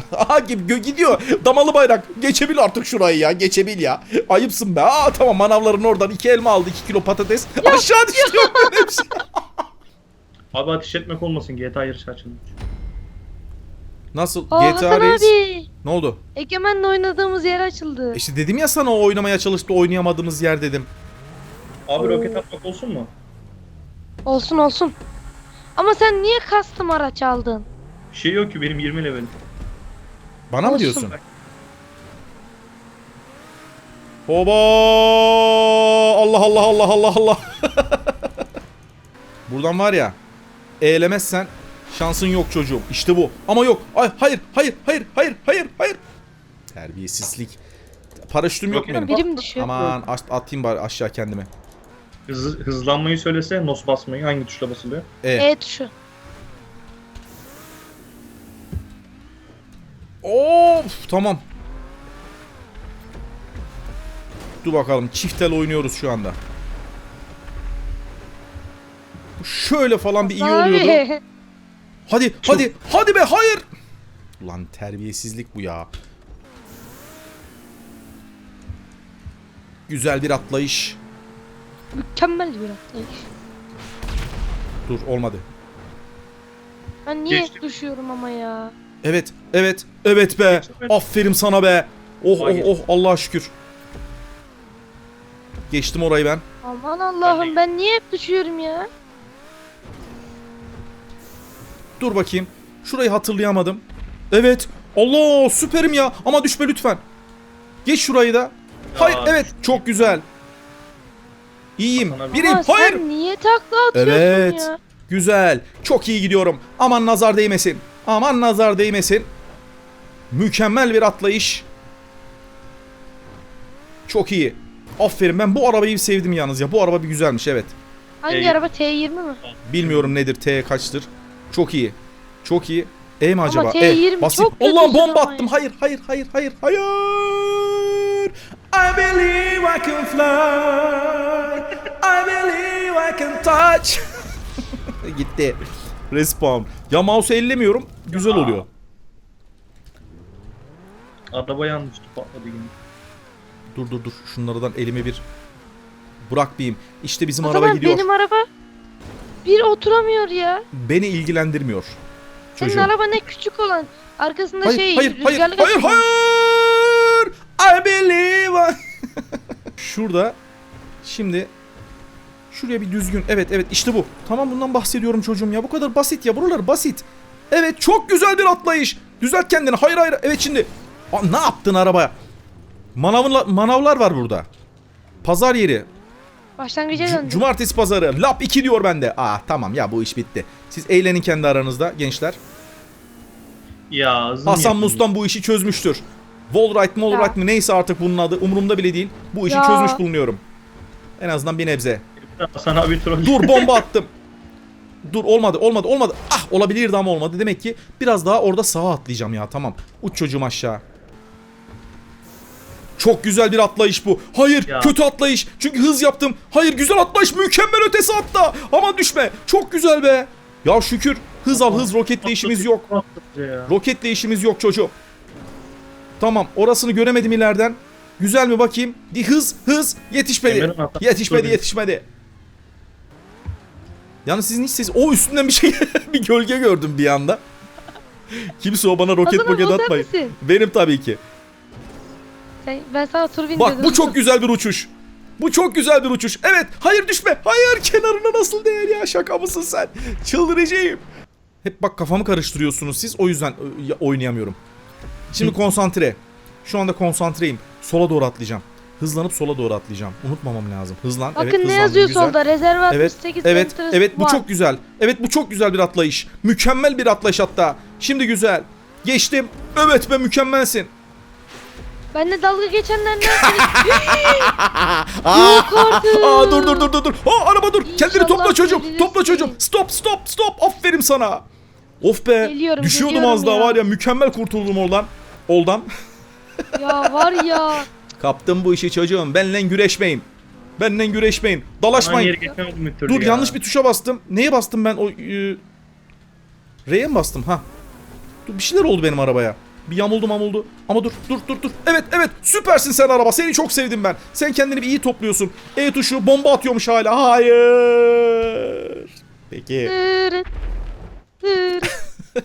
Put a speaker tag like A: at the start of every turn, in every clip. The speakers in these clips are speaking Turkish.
A: Aha gidiyor. Damalı bayrak. Geçebil artık şurayı ya. Geçebil ya. Ayıpsın be. Aa tamam, manavların oradan 2 elma aldı. 2 kilo patates. Aşağı düştü. Hepsi.
B: Abi ateş etmek olmasın, GTA yarışı açılmış.
A: Nasıl?
C: Aa,
A: GTA
C: Hasan
A: Reis.
C: abi.
A: Ne oldu?
C: Egemen'le oynadığımız yer açıldı.
A: İşte dedim ya sana, o oynamaya çalıştı, oynayamadığımız yer dedim.
B: Abi
C: Oo.
B: roket atmak olsun mu?
C: Olsun olsun. Ama sen niye custom araç aldın?
B: Bir şey yok ki, benim 20 levelim.
A: Bana mı
C: Olsun.
A: diyorsun? Oba! Allah Allah Allah Allah Allah. Buradan var ya, eğlemezsen şansın yok çocuğum. İşte bu. Ama yok. Ay hayır hayır hayır hayır hayır hayır. Terbiyesizlik. Paraşütüm yok benim.
C: Birim düşüyor.
A: Aman atayım bari aşağı kendimi.
B: Hızlanmayı söylese, nos basmayı hangi tuşla basılıyor?
C: E tuşu.
A: Of tamam. Dur bakalım, çiftel oynuyoruz şu anda. Şöyle falan bir iyi oluyordu.
C: Abi.
A: Hadi hadi hadi be, hayır. Ulan terbiyesizlik bu ya. Güzel bir atlayış.
C: Mükemmel bir atlayış.
A: Dur olmadı.
C: Ben niye
B: Geçtim.
C: düşüyorum ama ya?
A: Evet evet evet be.
B: Geçtim.
A: Aferin sana be. Oh oh
B: Hayır.
A: oh, Allah'a şükür. Geçtim orayı ben.
C: Aman Allah'ım, ben niye hep düşüyorum ya?
A: Dur bakayım. Şurayı hatırlayamadım. Evet. Allah süperim ya. Ama düşme lütfen. Geç şurayı da. Hayır evet, çok güzel. İyiyim.
B: Hasan abi.
A: Biriyim.
C: Ama
A: Hayır.
C: sen niye takla atıyorsun
A: Evet.
C: ya?
A: Güzel. Çok iyi gidiyorum. Aman nazar değmesin. Aman nazar değmesin. Mükemmel bir atlayış. Çok iyi. Aferin, ben bu arabayı sevdim yalnız ya. Bu araba bir güzelmiş, evet.
C: Hangi araba, T20 mi?
A: Bilmiyorum nedir, T kaçtır. Çok iyi. Çok iyi. E mi
C: Ama
A: acaba?
C: T20
A: basayım.
C: çok kötü
A: Allah, bomba
C: ama
A: attım.
C: ya.
A: Hayır hayır hayır hayır hayır. I believe I can fly. I believe I can touch. Gitti. Respawn. Ya mouse'u ellemiyorum. Güzel oluyor.
B: Araba yanlış patladı yine.
A: Dur. Şunlardan elime bir bırakmayayım. İşte bizim
C: O
A: araba
C: zaman
A: gidiyor.
C: benim araba bir oturamıyor ya.
A: Beni ilgilendirmiyor.
C: Senin
A: Çocuğum.
C: araba ne küçük olan. Arkasında
A: Hayır,
C: şey
A: hayır, hayır,
C: rüzgarlık
A: hayır,
C: açıyor.
A: hayır. I believe I... Şurada. Şimdi. Şuraya bir düzgün. Evet, işte bu. Tamam, bundan bahsediyorum çocuğum ya. Bu kadar basit ya. Buralar basit. Evet, çok güzel bir atlayış. Düzelt kendini. Hayır. Evet şimdi. Aa, ne yaptın arabaya? Manavlar var burada. Pazar yeri.
C: Başlangıca döndüm.
A: Cumartesi pazarı. Lap 2 diyor bende. Tamam ya, bu iş bitti. Siz eğlenin kendi aranızda gençler.
B: Ya zım
A: Hasan
B: yapın.
A: Mustan bu işi çözmüştür. Wallride mi neyse artık bunun adı. Umurumda bile değil. Bu işi
C: Ya.
A: çözmüş bulunuyorum. En azından bir nebze.
B: Hasan abi troll.
A: Dur, bomba attım. Dur, olmadı. Olabilirdi ama olmadı. Demek ki biraz daha orada sağa atlayacağım ya, tamam. Uç çocuğum aşağı. Çok güzel bir atlayış bu. Hayır,
B: Ya.
A: kötü atlayış. Çünkü hız yaptım. Hayır, güzel atlayış. Mükemmel ötesi hatta. Aman düşme. Çok güzel be. Ya şükür. Hız al, hız. Roketle işimiz yok.
B: Ya.
A: Roketle işimiz yok çocuğum. Tamam, orasını göremedim ileriden. Güzel mi bakayım? Hız. Yetişmedi.
B: Emre'nin hatası.
A: Yetişmedi. Yalnız sizin hiç ses... O üstünden bir şey... bir gölge gördüm bir anda. Kimse o bana roket
C: Hasan abi, o sen
A: atmayın.
C: misin?
A: Benim tabii ki.
C: Ben sana tur bin
A: Bak,
C: dedim.
A: bu çok güzel bir uçuş. Evet. Hayır, düşme. Hayır, kenarına nasıl değer ya? Şaka mısın sen? Çıldıracağım. Hep bak, kafamı karıştırıyorsunuz siz. O yüzden oynayamıyorum. Şimdi konsantre. Şu anda konsantreyim. Sola doğru atlayacağım. Hızlanıp sola doğru atlayacağım. Unutmamam lazım. Hızlan.
C: Bakın
A: evet,
C: ne
A: hızlandım.
C: yazıyor
A: Güzel.
C: solda? Rezerve 68
A: Evet,
C: Enters
A: bu
C: var.
A: çok güzel. Evet, bu çok güzel bir atlayış. Mükemmel bir atlayış hatta. Şimdi güzel. Geçtim. Evet be, mükemmelsin.
C: Benle dalga geçenler ne yapıyor? Yok artık.
A: Dur. Araba dur. Kendini
C: İnşallah
A: topla çocuğum.
C: verilirsin.
A: Stop. Aferin sana. Of be.
C: Geliyorum,
A: Düşüyordum az daha
C: ya.
A: var ya. Mükemmel kurtuldum oradan. Oldan.
C: Ya var ya.
A: Kaptım bu işi çocuğum. Benle güreşmeyin.
B: Hasan
A: Dalaşmayın.
B: yeri geçemedim bir türlü
A: Dur,
B: ya.
A: yanlış bir tuşa bastım. Neye bastım ben? R'ye mi bastım? Ha. Dur, bir şeyler oldu benim arabaya. Bir yamuldu. Ama dur. Evet süpersin sen araba. Seni çok sevdim ben. Sen kendini bir iyi topluyorsun. E tuşu bomba atıyormuş hala. Hayır. Peki.
C: Tırıt, tırıt.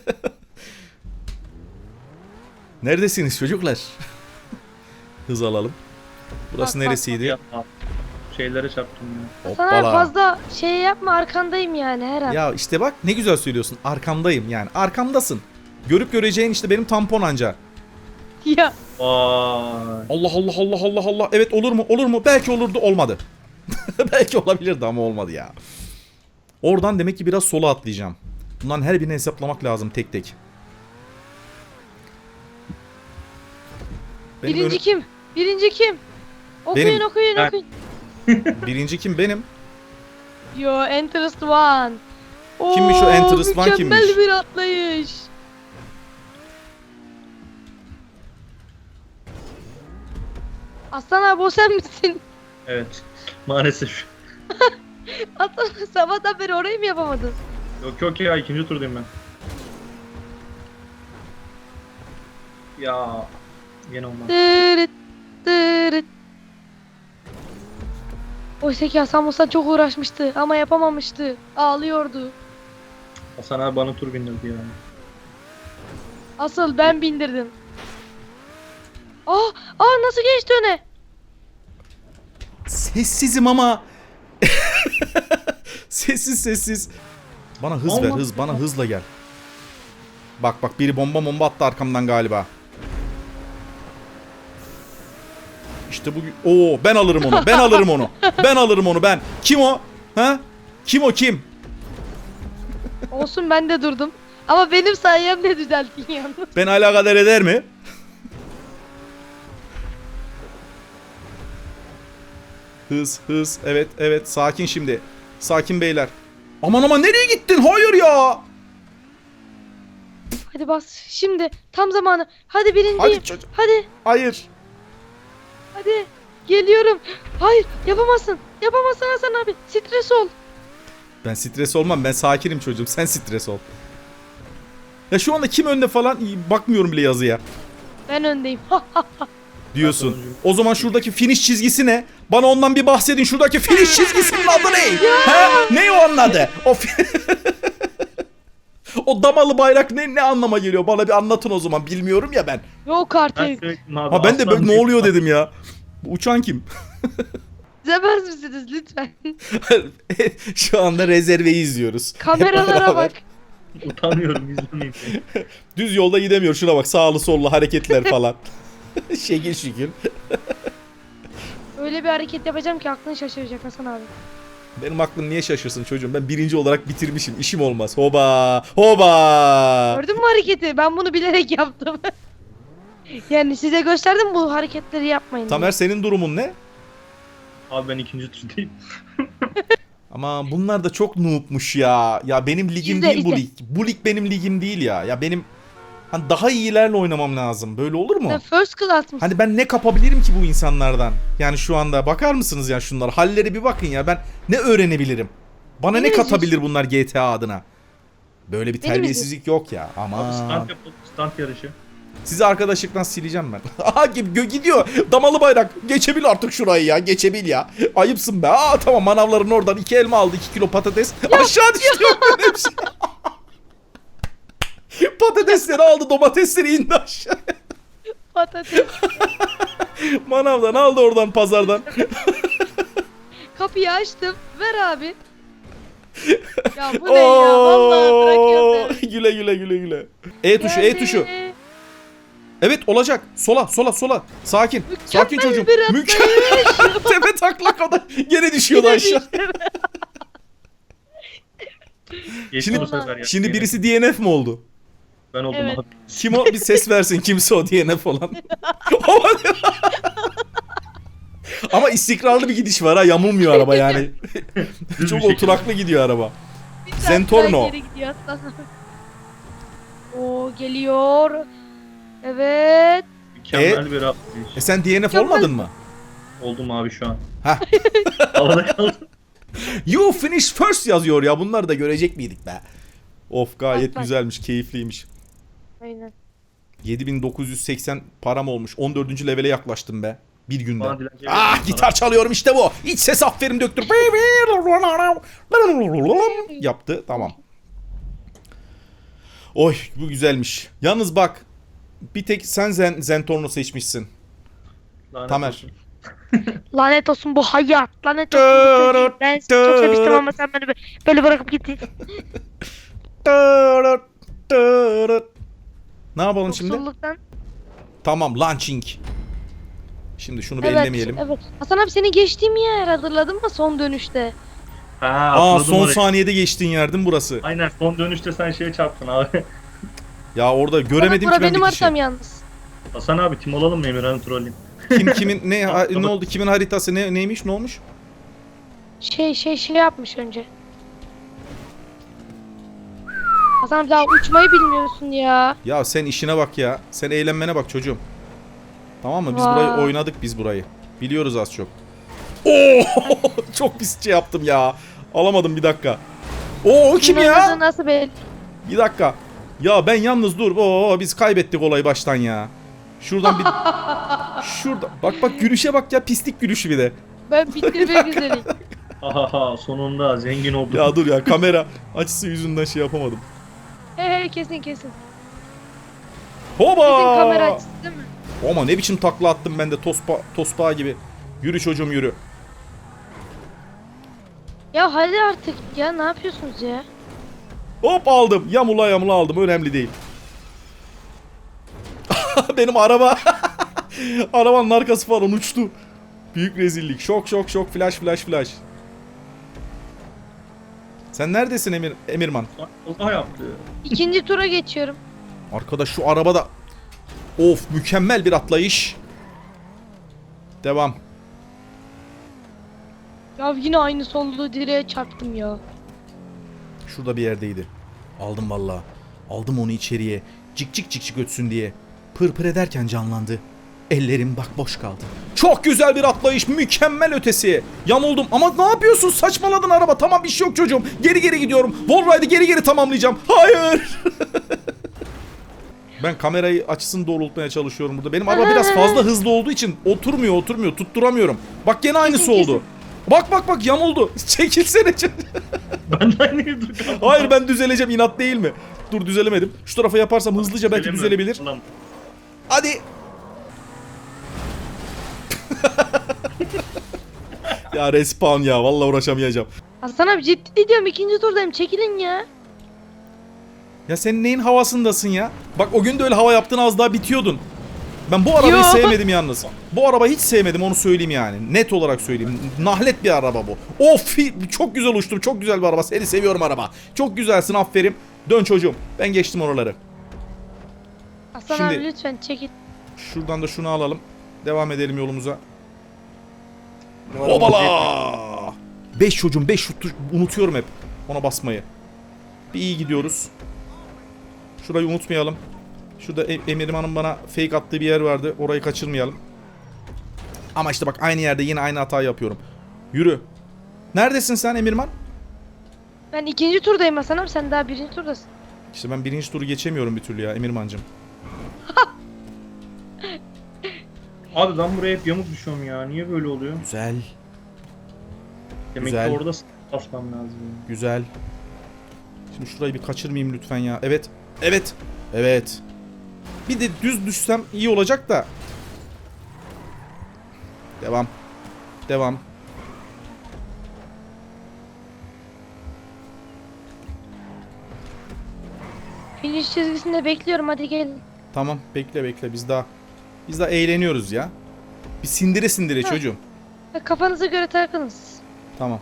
A: Neredesiniz çocuklar? Hız alalım. Burası
C: Bak, bak,
A: neresiydi?
B: Ya, şeylere çarptım ya.
C: Sana
A: Hoppala.
C: fazla şey yapma, arkandayım yani her an.
A: Ya işte bak ne güzel söylüyorsun. Arkamdayım yani. Arkamdasın. Görüp göreceğin işte benim tampon anca.
C: Ya.
B: Vay.
A: Allah. Evet olur mu? Belki olurdu, olmadı. Belki olabilirdi ama olmadı ya. Oradan demek ki biraz sola atlayacağım. Bunların her birini hesaplamak lazım tek tek. Benim
C: Birinci kim? Birinci kim? Okuyun
A: Benim.
C: okuyun
B: Ben.
C: okuyun.
A: birinci kim? Benim.
C: Yo, Interest One.
A: Kimmiş o Interest One,
C: mükemmel
A: kimmiş?
C: bir atlayış. Aslan abi o sen misin?
B: Evet. Maalesef.
C: Aslan sabahtan beri orayı mı yapamadın?
B: Yok ya, ikinci turdayım ben. Ya. Yine olmaz.
C: Tırıt tırıt. Oysa ki Hasan Musa çok uğraşmıştı ama yapamamıştı. Ağlıyordu.
B: Hasan abi bana tur bindirdi ya.
C: Asıl ben bindirdim. Nasıl geçti öne?
A: Sessizim ama. Sessiz. Bana hız ver, hız. Bana hızla gel. Bak biri bomba attı arkamdan galiba. İşte bugün. Oo, ben alırım onu. Ben alırım onu. Kim o? Ha? Kim?
C: Olsun, ben de durdum. Ama benim sayemde düzelttin yalnız.
A: Ben alakadar eder mi? Hız. Evet. Sakin şimdi. Sakin beyler. Aman nereye gittin? Hayır ya.
C: Hadi bas. Şimdi tam zamanı. Hadi birinciyim.
A: Hadi çocuk.
C: Hadi.
A: Hayır.
C: Hadi. Geliyorum. Hayır, yapamazsın. Yapamazsın Hasan abi. Stres ol.
A: Ben stres olmam. Ben sakinim çocuğum. Sen stres ol. Ya şu anda kim önde falan bakmıyorum bile yazıya.
C: Ben öndeyim.
A: Diyorsun. O zaman şuradaki finish çizgisi ne? Bana ondan bir bahsedin. Şuradaki finish çizgisinin adı ne? He? Ne o onun adı? O damalı bayrak ne anlama geliyor? Bana bir anlatın o zaman. Bilmiyorum ya ben.
C: Yok
B: Ben
C: artık.
B: söyledim abi.
A: Ha ben de
B: aslan
A: böyle ne
B: değil.
A: oluyor dedim ya. Bu uçan kim?
C: İzlemez misiniz lütfen?
A: Şu anda rezerveyi izliyoruz. Hep
C: Kameralara
A: beraber.
C: bak.
B: Utanıyorum, izlemeyeyim.
A: Düz yolda gidemiyor. Şuna bak, sağlı sollu hareketler falan. Şekil.
C: Öyle bir hareket yapacağım ki aklın şaşıracak Hasan abi.
A: Benim aklım niye şaşırsın çocuğum? Ben birinci olarak bitirmişim. İşim olmaz. Hoba.
C: Gördün mü hareketi? Ben bunu bilerek yaptım. Yani size gösterdim, bu hareketleri yapmayın.
A: Tamer, senin durumun ne?
B: Abi ben ikinci turdayım.
A: Ama bunlar da çok noob'muş ya. Ya benim ligim
C: İzle,
A: değil bu
C: izle.
A: lig. Bu lig benim ligim değil ya. Ya benim hani daha iyilerle oynamam lazım. Böyle olur mu?
C: Sen first class mısın?
A: Hani ben ne kapabilirim ki bu insanlardan? Yani şu anda bakar mısınız ya şunlar? Halleri bir bakın ya. Ben ne öğrenebilirim? Bana ne
C: Beni
A: katabilir bunlar GTA adına? Böyle bir
C: Beni
A: terbiyesizlik yok ya.
B: Abi
A: Ama
B: stunt yapalım, stunt yarışı.
A: sizi arkadaşlıktan sileceğim ben. Aha gidiyor. Damalı bayrak. Geçebil artık şurayı ya. Geçebil ya. Ayıpsın be. Tamam, manavların oradan 2 elma aldı. 2 kilo patates. Aşağı düştü. Hepsi. Patatesleri aldı. Domatesleri indi aşağı.
C: Patates.
A: Manavdan aldı oradan, pazardan.
C: Kapıyı açtım. Ver abi. Ya bu ne ya? Vallahi bırakıyorum seni.
A: Güle. E tuşu.
C: Geldi.
A: Evet, olacak. Sola. Sakin. Sakin
C: Mükemmel
A: çocuğum.
C: bir atlayış.
A: Tepe taklak o da. Gene düşüyordu aşağı.
B: Geçti
A: Şimdi-
B: bu sefer ya.
A: Şimdi
B: Yine
A: birisi DNF mi oldu?
B: ben oldum
C: Evet.
B: abi.
A: Kim o? Bir ses versin, kimse o DNF olan. Ama istikrarlı bir gidiş var ha. Yamulmuyor araba yani.
B: Düz bir
A: Çok
B: şekilde.
A: oturaklı gidiyor araba.
C: Bir tane
A: Zentorno.
C: daha geri gidiyor aslan. Oo, geliyor. Evet.
B: Mükemmel bir atlayış.
A: Sen DNF olmadın mı?
B: Oldum abi şu an.
A: Hah.
B: Havada kaldım.
A: You finish first yazıyor ya. Bunları da görecek miydik be? Of, gayet
C: Bak.
A: güzelmiş, keyifliymiş.
C: Aynen.
A: 7980 param olmuş. 14. levele yaklaştım be. Bir günde.
B: Bana dilenci
A: Ah,
B: verin
A: gitar çalıyorum işte bu. İç ses aferin döktür. Yaptı. Tamam. Oy, bu güzelmiş. Yalnız bak. Bir tek sen Zentorno seçmişsin.
B: Lanet
A: Tamer.
B: olsun.
C: Lanet olsun bu hayat. Lanet olsun bu sevgi. Ben seni çok sevmiştim ama sen beni böyle bırakıp gittin.
A: Ne yapalım şimdi?
C: Yoksulluktan.
A: Tamam, launching. Şimdi şunu bir
C: Evet,
A: ellemeyelim.
C: evet. Hasan abi seni geçtiğim yer hatırladın mı son dönüşte?
B: Ha,
A: Aa,
B: atladım
A: son
B: orayı.
A: saniyede geçtiğin yer değil mi burası?
B: Aynen son dönüşte sen şeye çarptın abi.
A: Ya orada göremedim
C: Bura
A: ki ben
C: benim
A: bir kişi.
C: haritam yalnız.
B: Hasan abi tim olalım mı Emirhan'ı trolleyim?
A: Kim kimin ne oldu? Kimin haritası neymiş? Ne olmuş?
C: Şey yapmış önce. Hasan abi daha uçmayı bilmiyorsun ya.
A: Ya sen işine bak ya. Sen eğlenmene bak çocuğum. Tamam mı? Biz
C: Vay.
A: burayı oynadık biz burayı. Biliyoruz az çok. Oo! Çok pis şey yaptım ya. Alamadım bir dakika. Oo, o kim
C: Kimin
A: ya?
C: oynadığı nasıl belli?
A: Bir dakika. Ya ben yalnız dur. Oo, biz kaybettik olayı baştan ya. Şuradan bir şurada. Bak gülüşe bak ya, pislik gülüşü bir de.
C: Ben bitirmek üzereyim.
B: Ahaha sonunda zengin olduk.
A: Ya dur ya, kamera açısı yüzünden şey yapamadım.
C: He kesin. Kesin
A: Hoba!
C: kamera açısı değil mi?
A: Ama ne biçim takla attım ben de tospa gibi. Yürü çocuğum yürü.
C: Ya hadi artık ya ne yapıyorsunuz ya?
A: Hop aldım. Yamula aldım. Önemli değil. Benim araba. Arabanın arkası falan uçtu. Büyük rezillik. Şok. Flash. Sen neredesin Emirman?
B: Allah yaptı.
C: İkinci tura geçiyorum.
A: Arkadaş şu arabada. Of, mükemmel bir atlayış. Devam.
C: Ya yine aynı sollu direğe çarptım ya.
A: Şurada bir yerdeydi. Aldım vallahi. Aldım onu içeriye. Cik ötsün diye. Pır ederken canlandı. Ellerim bak boş kaldı. Çok güzel bir atlayış. Mükemmel ötesi. Yamuldum ama ne yapıyorsun? Saçmaladın araba. Tamam, bir şey yok çocuğum. Geri gidiyorum. Wallride'ı geri tamamlayacağım. Hayır. Ben kamerayı açısını doğrultmaya çalışıyorum burada. Benim araba biraz fazla hızlı olduğu için oturmuyor. Tutturamıyorum. Bak gene aynısı
C: Kesin.
A: oldu. Bak yamuldu. Çekilsene.
B: Ben de aynı yerde kaldım.
A: Hayır, ben düzeleceğim, inat değil mi? Dur, düzelemedim. Şu tarafa yaparsam hızlıca belki düzelebilir.
B: Ulan,
A: Hadi. Ya respawn ya, vallahi uğraşamayacağım.
C: Hasan abi ciddi diyorum ikinci turdayım çekilin ya.
A: Ya sen neyin havasındasın ya? Bak o gün de öyle hava yaptın, az daha bitiyordun. Ben bu arabayı
C: Yo.
A: sevmedim yalnız. Bu arabayı hiç sevmedim, onu söyleyeyim yani. Net olarak söyleyeyim. Nahlet bir araba bu. Of, çok güzel uçtum. Çok güzel bir araba. Seni seviyorum araba. Çok güzelsin, aferin. Dön çocuğum. Ben geçtim oraları.
C: Hasan
A: Şimdi-
C: abi lütfen çekil.
A: Şuradan da şunu alalım. Devam edelim yolumuza. Hopala! 5 çocuğum, 5 şut unutuyorum hep ona basmayı. Bir iyi gidiyoruz. Şurayı unutmayalım. Şurada Emirman'ın bana fake attığı bir yer vardı. Orayı kaçırmayalım. Ama işte bak, aynı yerde yine aynı hatayı yapıyorum. Yürü. Neredesin sen Emirman?
C: Ben ikinci turdayım Hasan abi sen daha birinci turdasın.
A: İşte ben birinci turu geçemiyorum bir türlü ya Emirman'cığım.
B: Abi ben buraya hep yamuk düşüyorum ya. Niye böyle oluyor?
A: Güzel.
B: Demek
A: Güzel.
B: ki orada basmam lazım.
A: Güzel. Şimdi şurayı bir kaçırmayayım lütfen ya. Evet. Bir de düz düşsem iyi olacak da. Devam.
C: Finish çizgisinde bekliyorum hadi gelin.
A: Tamam, bekle. Biz daha eğleniyoruz ya. Bir sindire
C: Ha.
A: çocuğum.
C: Kafanıza göre takınız.
A: Tamam.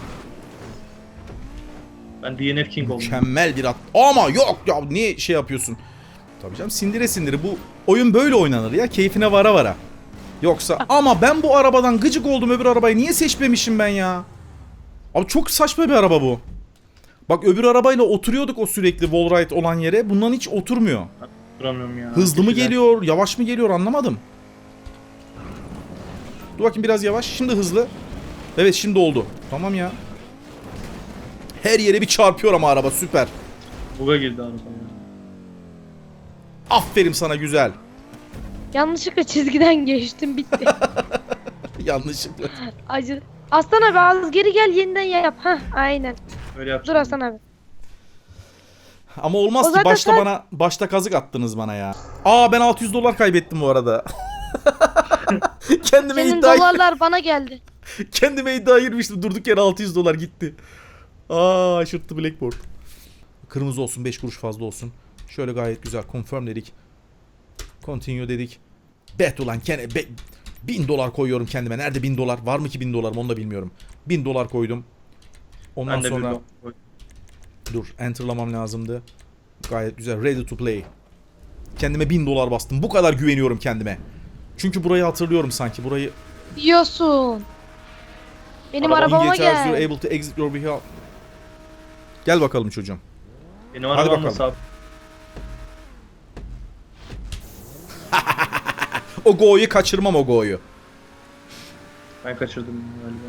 B: Ben DNF King oldum.
A: Mükemmel bir at. Ama yok ya, niye şey yapıyorsun? Tabii canım, sindire. Bu oyun böyle oynanır ya. Keyfine vara. Yoksa ama ben bu arabadan gıcık oldum, öbür arabayı niye seçmemişim ben ya? Abi çok saçma bir araba bu. Bak öbür arabayla oturuyorduk o sürekli wallride olan yere. Bundan hiç oturmuyor.
B: Duramıyorum ya.
A: Hızlı mı
B: Güzel.
A: geliyor, yavaş mı geliyor anlamadım. Dur bakayım, biraz yavaş. Şimdi hızlı. Evet, şimdi oldu. Tamam ya. Her yere bir çarpıyor ama araba, süper.
B: Buga girdi araba ya.
A: Aferin sana, güzel.
C: Yanlışlıkla çizgiden geçtim, bitti.
A: Yanlışlıkla.
C: Acı. Aslan abi az geri gel, yeniden yap. Hah, aynen.
B: Öyle
C: Dur
B: yapacağım.
C: Aslan abi.
A: Ama olmaz
C: O
A: ki,
C: zaten
A: başta kazık attınız bana ya. Aa, ben 600 dolar kaybettim bu arada. Kendime
C: Senin
A: iddia
C: dolarlar bana geldi.
A: Kendime iddia girmiştim. Durduk yere 600 dolar gitti. Aa, aşırttı Blackboard. Kırmızı olsun, 5 kuruş fazla olsun. Şöyle gayet güzel. Confirm dedik. Continue dedik. Bet ulan 1000 dolar koyuyorum kendime. Nerede 1000 dolar? Var mı ki 1000 dolarım, onu da bilmiyorum. 1000 dolar koydum. Ondan
B: Ben de
A: sonra
B: bir
A: dur, enterlamam lazımdı. Gayet güzel. Ready to play. Kendime 1000 dolar bastım. Bu kadar güveniyorum kendime. Çünkü burayı hatırlıyorum sanki. Burayı
C: Diyorsun. Benim
B: Araba
C: arabama
A: In GTA, you're
C: gel.
A: able to exit your vehicle. Gel bakalım çocuğum.
B: Benim
A: Hadi
B: arabam
A: bakalım.
B: nasıl abi?
A: O go'yu kaçırmam, o go'yu.
B: Ben kaçırdım galiba.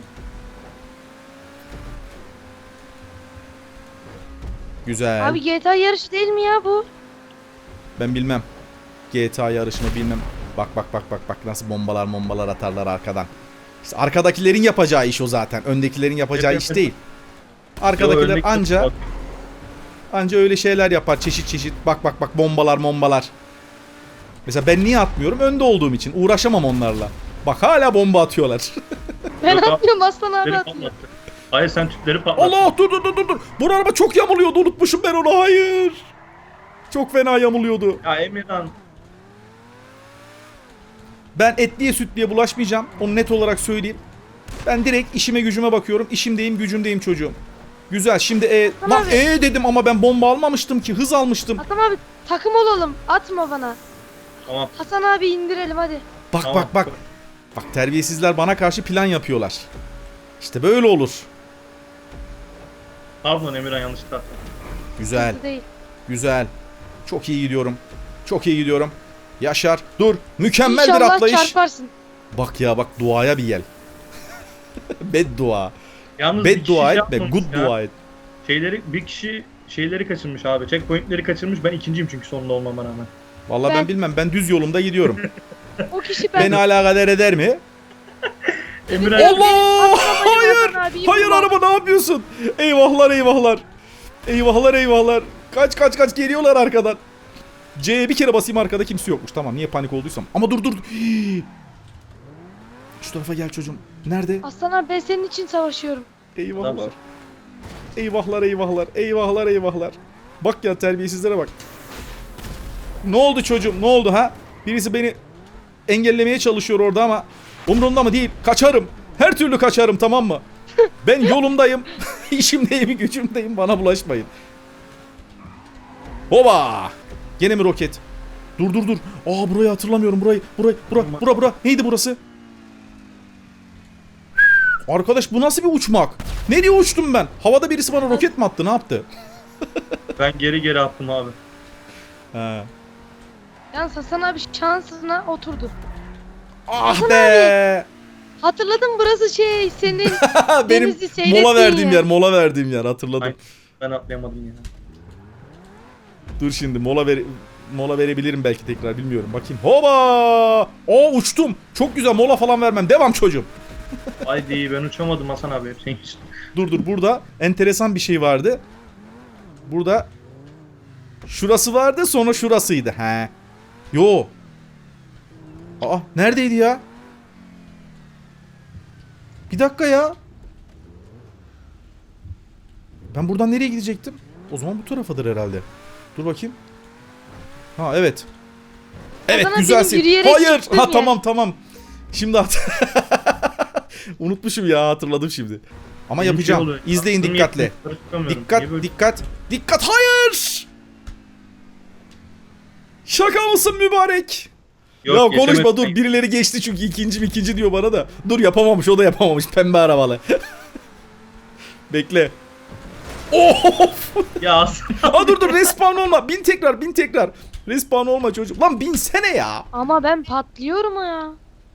A: Güzel.
C: Abi GTA yarışı değil mi ya bu?
A: Ben bilmem. GTA yarışını bilmem. Bak nasıl bombalar atarlar arkadan. İşte arkadakilerin yapacağı iş o zaten. Öndekilerin yapacağı
B: Yap,
A: iş
B: yap.
A: değil.
B: Yo,
A: Arkadakiler
B: örnek-
A: anca öyle şeyler yapar, çeşit. Bak bombalar. Mesela ben niye atmıyorum? Önde olduğum için. Uğraşamam onlarla. Bak hala bomba atıyorlar.
C: Ben
B: Yok abi,
C: atmıyorum, Aslan abi
B: Tüpleri
C: atıyor.
B: patlattı. Hayır, sen tüpleri patlattın.
A: Allah, dur. Bu araba çok yamuluyordu, unutmuşum ben onu, hayır. Çok fena yamuluyordu.
B: Ya Emirhan.
A: Ben etliye sütliye bulaşmayacağım. Onu net olarak söyleyeyim. Ben direkt işime gücüme bakıyorum. İşimdeyim, gücümdeyim çocuğum. Güzel. Şimdi
C: Tamam
A: lan
C: abi.
A: dedim ama ben bomba almamıştım ki. Hız almıştım.
C: Aslan abi takım olalım. Atma bana.
B: Tamam.
C: Hasan abi indirelim hadi.
A: Bak. Bak terbiyesizler bana karşı plan yapıyorlar. İşte böyle olur.
B: Pardon Emirhan, yanlışlıkla attım.
A: Güzel.
C: Bu değil.
A: Güzel. Çok iyi gidiyorum. Yaşar. Dur. Mükemmel bir
C: İnşallah
A: atlayış.
C: çarparsın.
A: Bak duaya bir gel. Beddua.
B: Yalnız bir kişi
A: Beddua
B: şey
A: etme.
B: yapmamış
A: Good
B: ya.
A: dua et.
B: Bir kişi şeyleri kaçırmış abi. Checkpointleri kaçırmış. Ben ikinciyim çünkü sonunda olmama rağmen.
A: Vallahi ben
C: Ben-
A: bilmem. Ben düz yolumda gidiyorum.
C: O kişi ben.
A: Beni alakadar eder mi?
B: Emirhan
A: Allah!
C: Hayır.
A: Hayır araba, ne yapıyorsun? Eyvahlar. Kaç geliyorlar arkadan. C'ye bir kere basayım, arkada kimse yokmuş. Tamam, niye panik olduysam. Ama dur. Şu tarafa gel çocuğum. Nerede?
C: Aslan abi ben senin için savaşıyorum.
A: Eyvahlar. Eyvahlar. Bak ya, terbiyesizlere bak. Ne oldu çocuğum, ne oldu ha? Birisi beni engellemeye çalışıyor orada ama umurumda mı değil. Kaçarım. Her türlü kaçarım, tamam mı? Ben yolumdayım. İşimdeyim, gücümdeyim. Bana bulaşmayın. Hoba! Gene mi roket? Dur. Aa, burayı hatırlamıyorum. Bura. Neydi burası? Arkadaş, bu nasıl bir uçmak? Nereye uçtum ben? Havada birisi bana roket mi attı? Ne yaptı?
B: ben geri attım abi.
A: He.
C: Yalnız Hasan abi şansına oturdu.
A: Ah
C: Hasan
A: be!
C: Hatırladım, burası senin
A: Benim
C: denizi seyrettiğin
A: mola verdiğim yer hatırladım.
B: Ay. Ben atlayamadım ya.
A: Dur şimdi mola verebilirim belki tekrar, bilmiyorum. Bakayım. Hoba! Oo, uçtum. Çok güzel, mola falan vermem. Devam çocuğum.
B: Haydi, ben uçamadım Hasan abi. Senin için.
A: Dur, burada enteresan bir şey vardı. Burada şurası vardı, sonra şurasıydı. He. Yo. Aa, neredeydi ya? Bir dakika ya. Ben buradan nereye gidecektim? O zaman bu tarafadır herhalde. Dur bakayım. Ha, evet. Evet,
C: Hasan abi,
A: güzelsin.
C: benim yürüyerek
A: Hayır.
C: gittiğim
A: Ha,
C: yer.
A: tamam. Şimdi unutmuşum ya, hatırladım şimdi. Ama
B: Bir şey
A: yapacağım.
B: oluyor.
A: İzleyin
B: Aklım
A: dikkatle.
B: yetmiyor, tutamıyorum. Niye böyle-
A: Dikkat. Hayır. Şaka mısın mübarek?
B: Yok,
A: Ya konuşma,
B: geçemedim.
A: dur. Birileri geçti çünkü ikinci diyor bana da. Dur, yapamamış, o da yapamamış. Pembe arabalı. Bekle. Of!
B: Ya Hasan
A: Aa, dur, respawn olma. Bin tekrar. Respawn olma çocuk. Lan binsene ya.
C: Ama ben patlıyorum ya.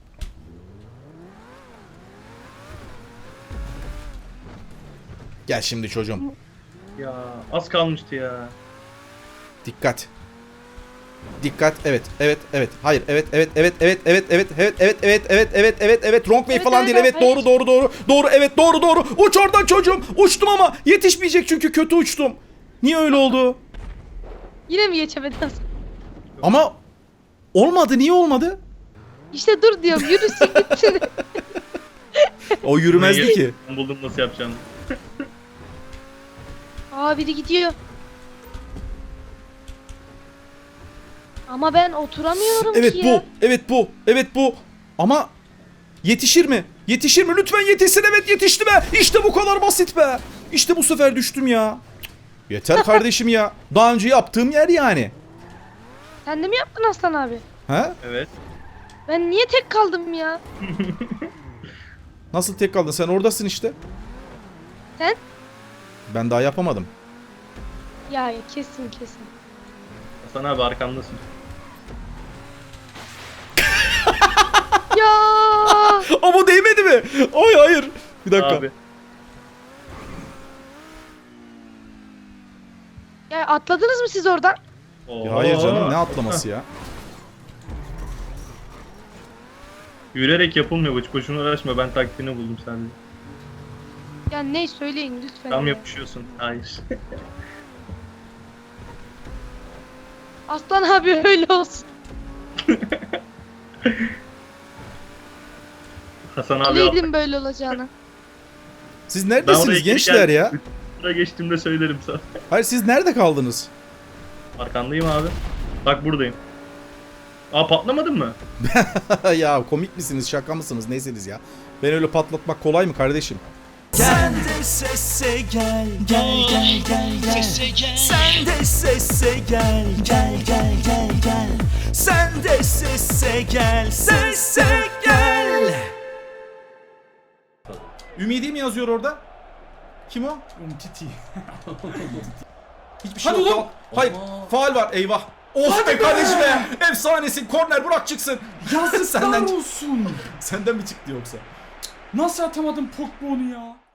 A: Gel şimdi çocuğum.
B: ya az kalmıştı ya.
A: Dikkat. Dikkat. Evet. Evet. Evet. Hayır. Evet. Evet. Evet. Evet. Evet. Evet. Evet. Evet. Evet. Evet. Evet. Evet. Evet. Wrong way
C: Evet,
A: falan
C: evet,
A: değil. Evet.
C: hayır.
A: Doğru. Doğru. Doğru. Doğru. Evet. Doğru. Doğru. Uç oradan çocuğum. Uçtum ama yetişmeyecek çünkü kötü uçtum. Niye öyle oldu?
C: Yine mi geçemedin?
A: Ama olmadı. Niye olmadı?
C: İşte dur diyorum yürüsün gitsin.
A: O yürümezdi ki.
B: Ben buldum nasıl yapacağını.
C: Aa biri gidiyor. Ama ben oturamıyorum
A: Evet
C: ki
A: bu.
C: ya.
A: Evet bu. Evet bu. Ama yetişir mi? Yetişir mi? Lütfen yetişsin. Evet yetişti be. İşte bu kadar basit be. İşte bu sefer düştüm ya. Yeter kardeşim ya. Daha önce yaptığım yer yani.
C: Sen de mi yaptın Aslan abi?
A: Ha?
B: Evet.
C: Ben niye tek kaldım ya?
A: Nasıl tek kaldın? Sen oradasın işte.
C: Sen?
A: Ben daha yapamadım.
C: Ya kesin kesin.
B: Hasan abi arkamdasın.
C: Ya
A: Ama değmedi mi? Ay hayır. Bir dakika.
B: Abi.
C: ya atladınız mı siz oradan?
A: Ya hayır canım
B: Oo.
A: ne atlaması ya.
B: Yürüyerek yapılmıyor bu. Hiç boşuna uğraşma. Ben taktiğini buldum sadece.
C: Ya ne söyleyin lütfen.
B: Tam
C: ya.
B: yapışıyorsun. Hayır.
C: Aslan abi öyle olsun.
B: Hasan abi
C: Bileydim böyle olacağını.
A: Siz
B: Ben oraya
A: neredesiniz
B: geri
A: gençler
B: geldim.
A: ya?
B: Buraya geçtiğimde söylerim sana.
A: Hayır siz nerede kaldınız?
B: Arkandayım abi. Bak buradayım. Aa patlamadın mı?
A: Ya komik misiniz şaka mısınız neyseniz ya. Ben öyle patlatmak kolay mı kardeşim?
D: Sen de sesse gel, gel gel gel gel. Sen de sesse gel, gel gel gel gel. Sen de sesse gel, sesse gel.
A: Ümidi mi yazıyor orada? Kim o?
E: Umtiti.
A: Hiçbir şey
E: Hadi
A: yok.
E: oğlum.
A: Hayır.
E: Aa.
A: Faul var. Eyvah. Of
E: Hadi
A: be
E: be.
A: kardeşim be. Efsanesin. Korner bırak çıksın.
E: Yazıklar
A: Senden-
E: olsun.
A: Senden mi çıktı yoksa?
E: Nasıl atamadım Pogba onu ya?